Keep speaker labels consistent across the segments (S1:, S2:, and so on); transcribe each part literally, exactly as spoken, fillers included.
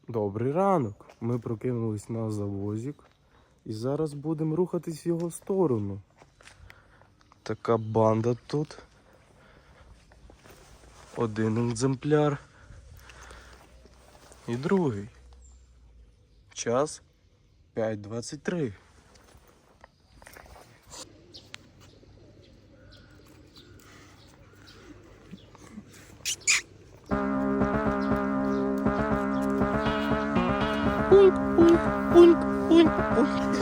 S1: Добрий ранок. Ми прокинулись на завозик і зараз будемо рухатись в його сторону. Така банда тут. Один екземпляр і другий. Час п'ять двадцять три. Пуньк, пуньк, пуньк, пуньк, пуньк.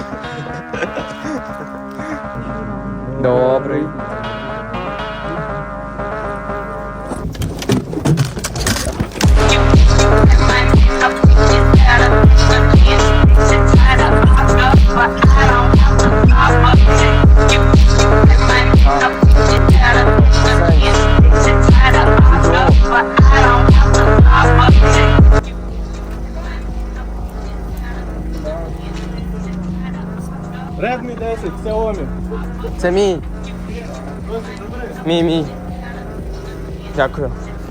S2: Добрий.
S1: Redmi десять, Xiaomi.
S2: Це мій. Мій, мій. Дякую.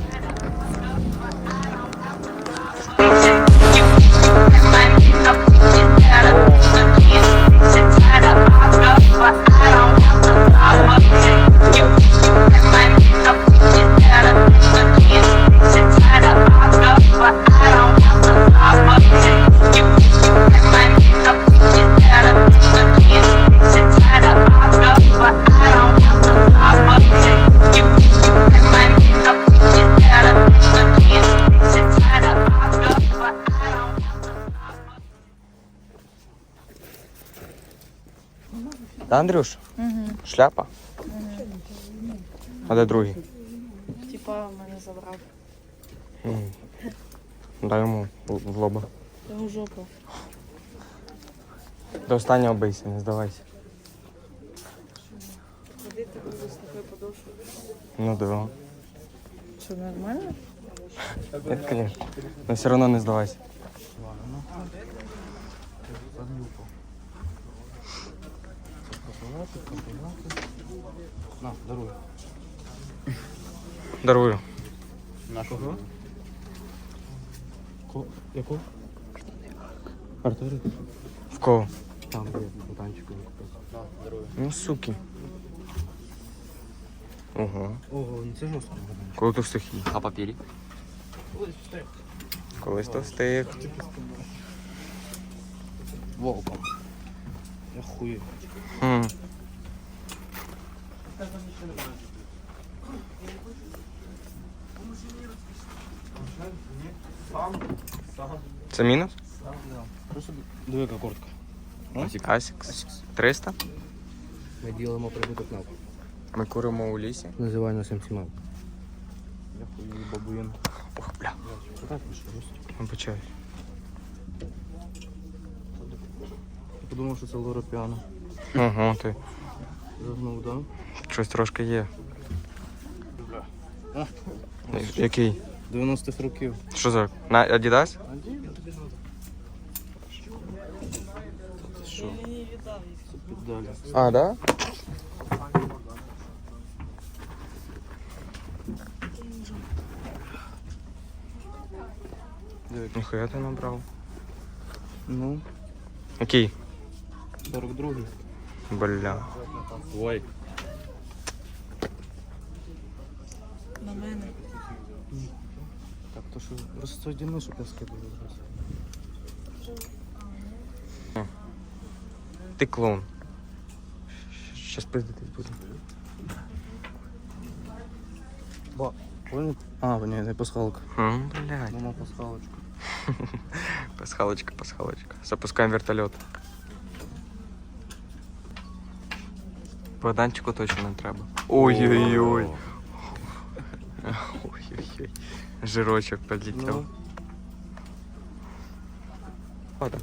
S2: Та, Андрюш?
S3: Угу.
S2: Шляпа?
S3: Угу.
S2: А де другий?
S3: Типа мене забрав.
S2: М. Дай йому в в лоба.
S3: Його жопу.
S2: До останнього бийся, не здавайся.
S3: Ходити буду з такою подошвою.
S2: Ну да.
S3: Що, нормально?
S2: Нет, конечно. Но все равно не здавайся.
S1: На, даруй.
S2: Дарую.
S1: На кого? Ко... Яку? Артури?
S2: В кого?
S1: Там, де бутанчику не купив. На, дарую.
S2: Ну, суки. Ого.
S1: Ого, ну це жорстко.
S2: Коли то встиг їй?
S4: А папірі?
S2: Колись то встиг.
S1: Волком. Я хую.
S2: Хм. Це мінус?
S1: Просто диви, яка куртка.
S2: Асікс. триста?
S1: Ми ділимо прибуток на.
S2: Ми куримо у лісі.
S1: Називаю нас МСМА. Я хую бабуїн.
S2: Ох, бля.
S1: Так, що жорстко.
S2: Вибачаю.
S1: Я подумав, що це Лора Піано.
S2: Ого, ти.
S1: Загнув, да?
S2: Щось трошки є.
S1: А,
S2: Який?
S1: дев'яностих років.
S2: Що за? На Адідас?
S1: А де тобі надо? Ти що? Це піддалі.
S2: А, да? Ніхуя ти набрав.
S1: Ну,
S2: Який?
S1: сорок другий.
S2: Бля.
S1: Ой.
S3: На мене.
S1: Так, то що розсудіни, щоб я скидав зараз.
S2: Ти клоун. Щас пиздитись буду.
S1: Ба, понял? А, ні, не пасхалка.
S2: М, блядь.
S1: Мама пасхалочка.
S2: Пасхалочка, пасхалочка. Запускаем вертолет. Богданчику точно не треба. Ой-ой-ой. Ой-ой-ой. Жирочок подлетел.
S1: Ну.
S2: Вода.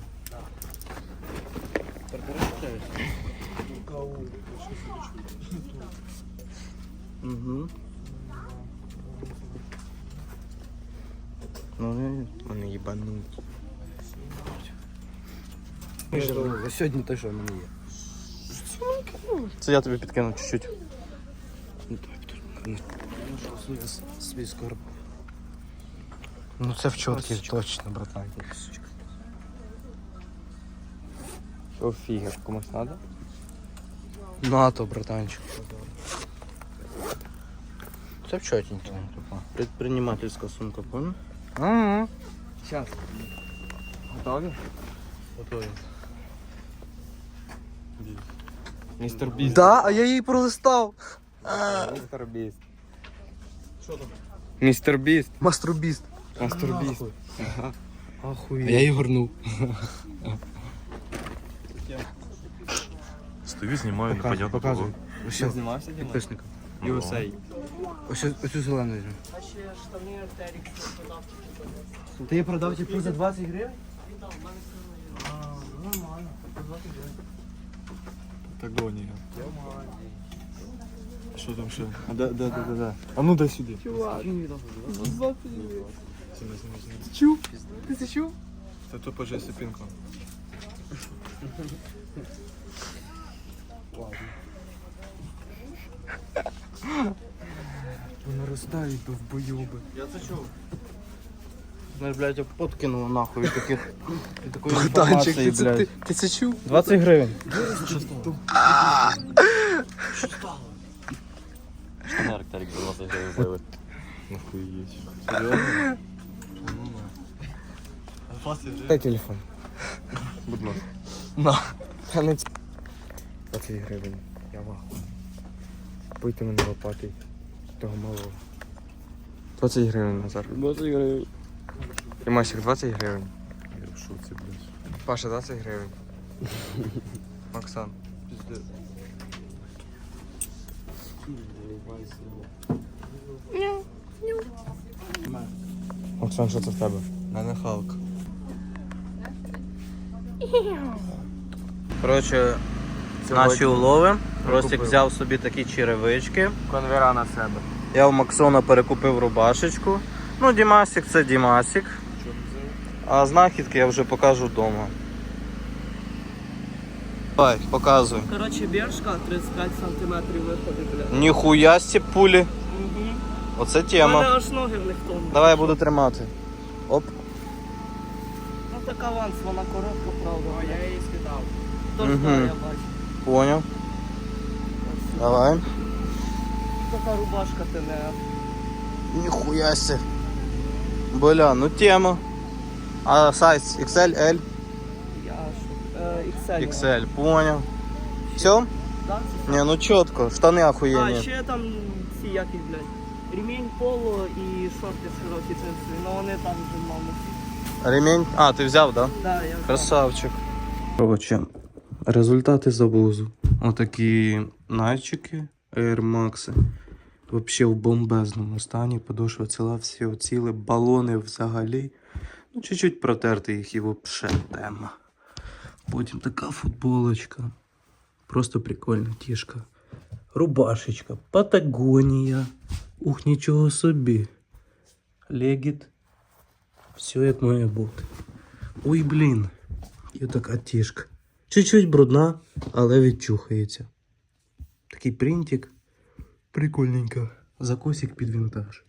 S1: Угу. Ну, не,
S2: Вони їбануть.
S1: не жирно. Сьогодні те, що в мене є.
S2: Це я тобі підкину чуть-чуть.
S1: Ну, так, тут. Свій скарб.
S2: Ну це в чотки точно, братан.
S1: Що фігер, комусь треба?
S2: НАТО, братанчик. Це в чотенько.
S1: Предпринимательська сумка, понял?
S2: Ага.
S1: Сейчас. Готові?
S2: Готові.
S1: Містер Біст.
S2: Да, а я її пролистав.
S1: Містер Біст. Що там? Містер Біст.
S2: Маструбіст.
S1: Мастер Біст.
S2: Ахуєть.
S1: Я її горнув.
S4: Стою, знімаю, непонятно кого.
S2: Показуй.
S1: Ти знімався, Діма?
S2: Підписникам.
S1: ю ес ей.
S2: Ось оцю зелену візьму.
S3: А ще штани Артерікс продав тільки за
S2: Ти її продав типу за двадцять гривень?
S4: Так довго ні. Що там ще? А де, де, де, де, де? А ну дай сюди.
S3: Чувак, за двадцять гривень.
S4: Сіна, сіна, сіна.
S3: Чув? Ти це чув?
S4: Це то по жесі пінку.
S2: Вони роздають довбойоби.
S4: Я це чув.
S2: Знаєш, блядь, я подкинула нахуй від таких від такої
S1: Богданчик,
S2: інформації,
S1: ти це,
S2: блядь.
S1: ти, ти це чув?
S2: двадцять гривень.
S4: Штани Арктарик за двадцять гривень злили. Нахуєть. Серйозно?
S2: Дай телефон.
S4: Будь ласка.
S2: На. А не ц- двадцять гривень. Я ваху. Пийте мене лопати. Того малого. двадцять гривень, Назар.
S1: двадцять гривень.
S2: Римасик, двадцять гривень.
S4: Я в шоці, блядь.
S2: Паша, двадцять гривень. Оксан.
S4: Пиздец.
S2: Оксан, що це в тебе?
S4: Мене Халк.
S2: Коротше, наші улови. Ростик взяв собі такі черевички.
S1: Конвера на себе.
S2: Я у Максона перекупив рубашечку. Ну, Дімасик це Дімасик. А знахідки я вже покажу вдома. Давай, показуй.
S3: Коротше, бершка тридцять п'ять сантиметрів виходить, бля.
S2: Ніхуя сі пулі.
S3: Угу.
S2: Оце
S3: У мене
S2: тема.
S3: аж ноги в них тонуть.
S2: Давай я буду тримати. Оп.
S3: Ну так аванс, вона коротка, правда. О, я її скидав. Тож
S2: Мгм.
S3: да, я бачу.
S2: Поняв. Давай.
S3: Така рубашка ти не.
S2: Ніхуя сі. Бля, ну тема. А сайз ікс ель, L?
S3: Я що? Е, ікс ель.
S2: ікс ель, поняв. Все?
S3: Да?
S2: Не, ну чітко, штани
S3: А,
S2: охуєнні.
S3: ще там ці які, блядь. Ремінь поло і шорти широкі цинцеві, ну вони там вже мало.
S2: Ремінь? А, ти взяв, да?
S3: Да, я
S2: Красавчик. Короче, результати завозу. Отакі найчики Air Max. Вообще в бомбезному стані. Подошва ціла, всі оціли, балони взагалі. Ну, чуть-чуть протерти їх і вообще тема. Потім така футболочка. Просто прикольна тішка. Рубашечка. Патагонія. Ух, нічого собі. Легіт. Все як має бути. Ой, блін. І така тішка. Чуть-чуть брудна, але відчухається. Такий принтик. Прикольненько. Закосик під вінтаж.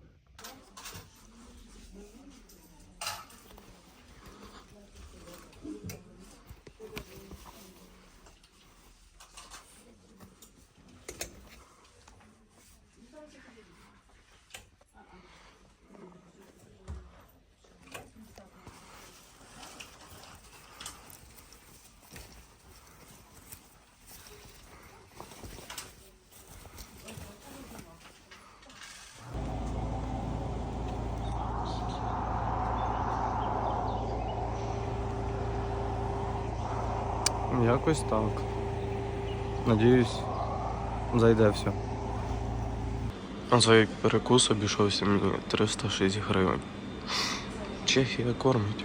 S1: Якось так. Надіюсь, зайде все.
S4: На цей перекус обійшовся мені триста шість гривень. Чехія кормить.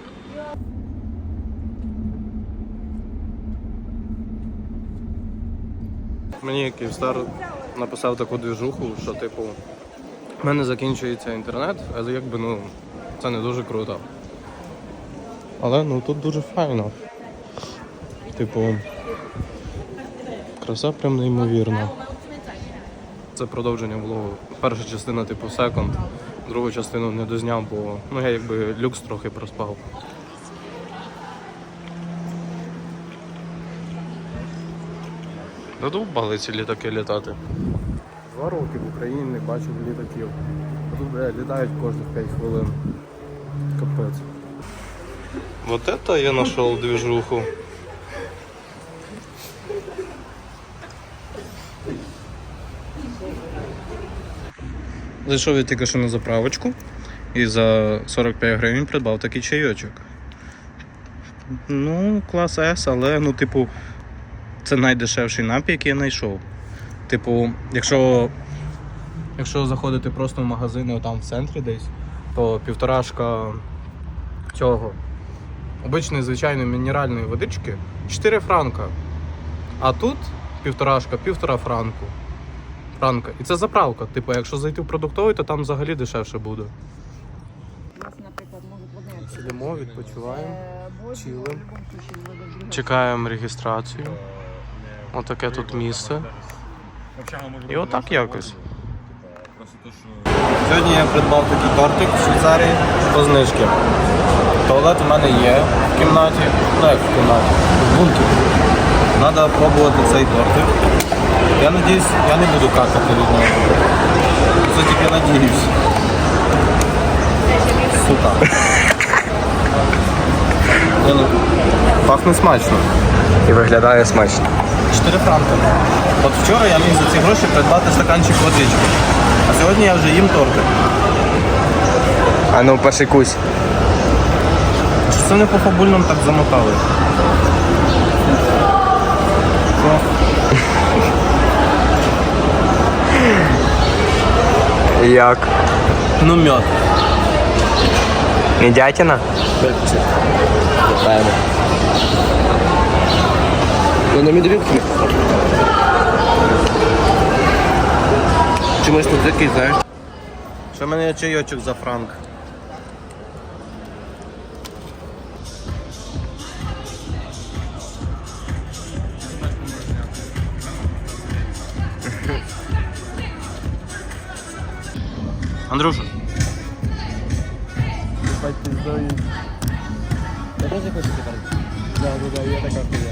S1: Мені Київстар написав таку движуху, що типу в мене закінчується інтернет, але якби ну це не дуже круто. Але ну тут дуже файно. Типу, краса прям неймовірна. Це продовження влогу. Перша частина типу секонд. другу частину не дозняв, бо ну, я якби люкс трохи проспав. Додовбали ці літаки літати. Два роки в Україні не бачив літаків. А тут бля, літають кожних п'ять хвилин. Капець. Вот это я нашел движуху. Зайшов я тільки що на заправочку і за сорок п'ять гривень придбав такий чайочок. Ну, клас С, але ну, типу, це найдешевший напій, який я знайшов. Типу, якщо, якщо заходити просто в магазини там в центрі десь, то півторашка цього обичної звичайної мінеральної водички чотири франка. А тут півторашка, півтора франку. Франка. І це заправка. Типу, якщо зайти в продуктовий, то там взагалі дешевше буде.
S5: У нас, наприклад, можуть вони
S1: Сидимо, відпочиваємо.
S5: чили.
S1: чилим. Чекаємо реєстрацію. Отаке тут місце. І отак якось. Сьогодні я придбав такий тортик в Швейцарії по знижки. Туалет у мене є в кімнаті. Ну як в кімнаті? В бункері. Треба пробувати цей тортик. Я надіюсь, я не буду какати від нього. Це тільки надіюсь. Сука. Ні, ну, пахне смачно.
S2: І виглядає смачно.
S1: чотири франки. От вчора я міг за ці гроші придбати стаканчик водички. А сьогодні я вже їм тортик.
S2: А ну пошикусь.
S1: Чи це не по фабульному так замотали? Що?
S2: Як?
S1: Ну мед.
S2: Мідятина? Певно. Ну на медведки. Чомусь не такий, знаєш?
S1: Ще в мене є чайочок за франк. Андрюша.
S2: Я теж хочу тепер. Да, да, да, я така хуя.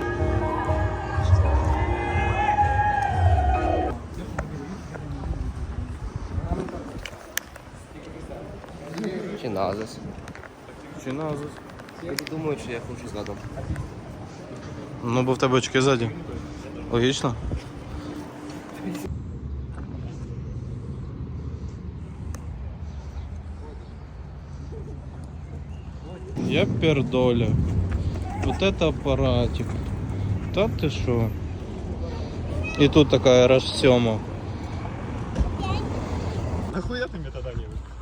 S2: Чи назис?
S1: Чи назис?
S2: Я думаю, що я хочу згадом.
S1: Ну, бо в тебе очки ззаді. Логічно? Я пердоля. Вот это аппаратик. Та ты шо? И тут такая расцема.
S4: Нахуя ты мне тогда не